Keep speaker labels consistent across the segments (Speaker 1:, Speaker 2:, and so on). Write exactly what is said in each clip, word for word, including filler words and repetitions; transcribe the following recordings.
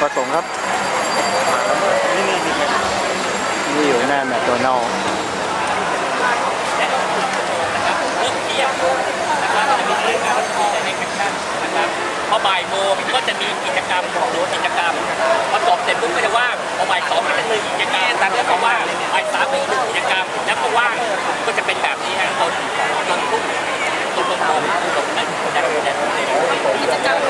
Speaker 1: ประสงค์ครับนี่นี่นี่อยู่หน้าแมคโดนัลด์
Speaker 2: เริ่มเที่ยงนะครับจะมีเรื่องการที่จะในแคปชั่นนะครับพอบ่ายโมงก็จะมีกิจกรรมของหนูกิจกรรมพอจบเสร็จปุ๊บก็จะว่างพอบ่ายสองก็จะมีกิจกรรมแต่ก็ว่างบ่ายสามก็อีกหนึ่งกิจกรรมแล้วก็ว่างก็จะเป็นแบบนี้ฮะจนจนทุกจนจนจนจนนั่นจะจะกิจกรรม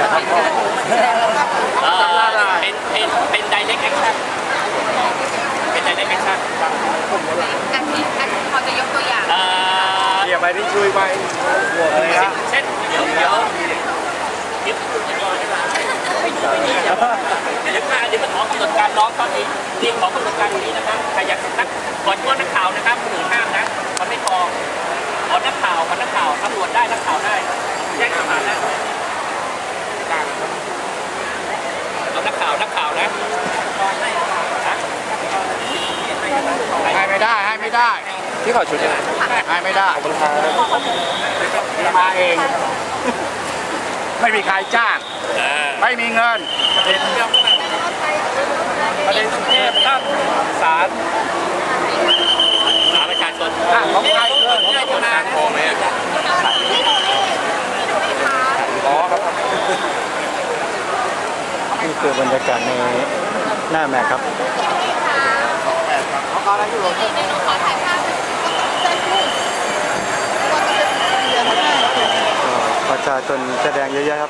Speaker 2: เป็นเป็นเป็น direct action เป็น direct action
Speaker 3: อันนี้อันพอจะยกตัวอย่าง
Speaker 1: เดี๋ยวไปที่ช่วยไปหัวเลยนะ
Speaker 2: เช่นเดี๋ยวเดี๋ยวเดี๋ยวคุณจะรอได้ไหมไม่ดูไม่ดีเดี๋ยวเดี๋ยวมาเดี๋ยวมาขอกำหนดการน้องตอนนี้เรียนขอกำหนดการตรงนี้นะครับใครอยากนักก่อนที่ว่านักข่าวนะครับหนึ่งห้ามนะมันไม่พอขอนักข่าวขอนักข่าวตำรวจได้นักข่าวได้แจ้งข่าวมาแล้วเอานักข่าวนักข่าวนะ
Speaker 1: ให้ไม่ได้ให้ไม่ได้ที่เขาชุดให้ไม่ได้มาเองไม่มีใครจ้างไม่มีเงินประเด็นเรื่องประเด็นเทพตั้งศาล
Speaker 2: ศาลประชาชน
Speaker 1: ของใครเงินของคนงานพอไหมอ๋อครับนี่คือบรรยากาศในหน้าแม็กครับเขาอะไรอยู่หรอประชาชนแสดงเยอะๆครับ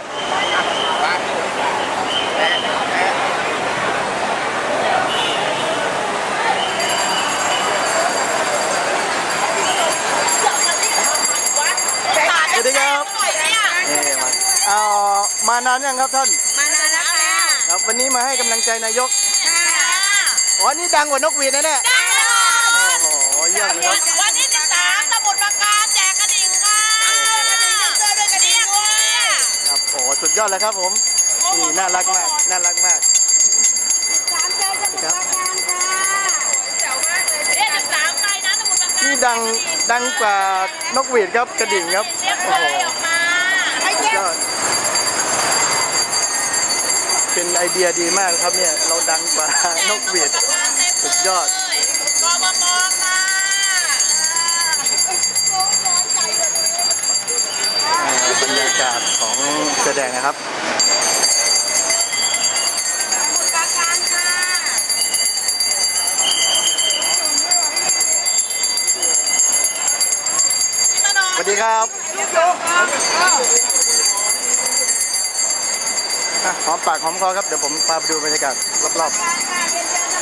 Speaker 1: สวัสดีครับนี่มาเอามานานยังครับท่าน
Speaker 3: มานานแล้วค่ะ
Speaker 1: ครับวันนี้มาให้กำลังใจนายกอ๋อนี่ดังกว่านกหวีดนะเนี่ย
Speaker 3: ได้เลย
Speaker 1: โอ้โหเยี่ยมเลยครับ
Speaker 3: วันที่สิบสามสมุทรปราการแจกกระดิ่งค่ะกระดิ่งเสื้อด้วยกระดิ่งด้วย
Speaker 1: ครับโอ้สุดยอดเลยครับผมนี่น่ารักมากน่ารักมาก
Speaker 3: สามเจอสมุทรปราการค่ะเจ๋วมากเลยเอ๊ะสิบสามใครนะสมุทรปราการ
Speaker 1: นี่ดังดังกว่านกหวีดครับกระดิ่งครับโอ้โหก็เป็นไอเดียดีมากครับเนี่ยเราดังกว่านกหวีดสุดยอด
Speaker 3: กบมค่ะ
Speaker 1: บรรยากาศของแสดงนะครับสวัสดีครับหอมปากหอมคอครับเดี๋ยวผมพาไปดูบรรยากาศรอบๆ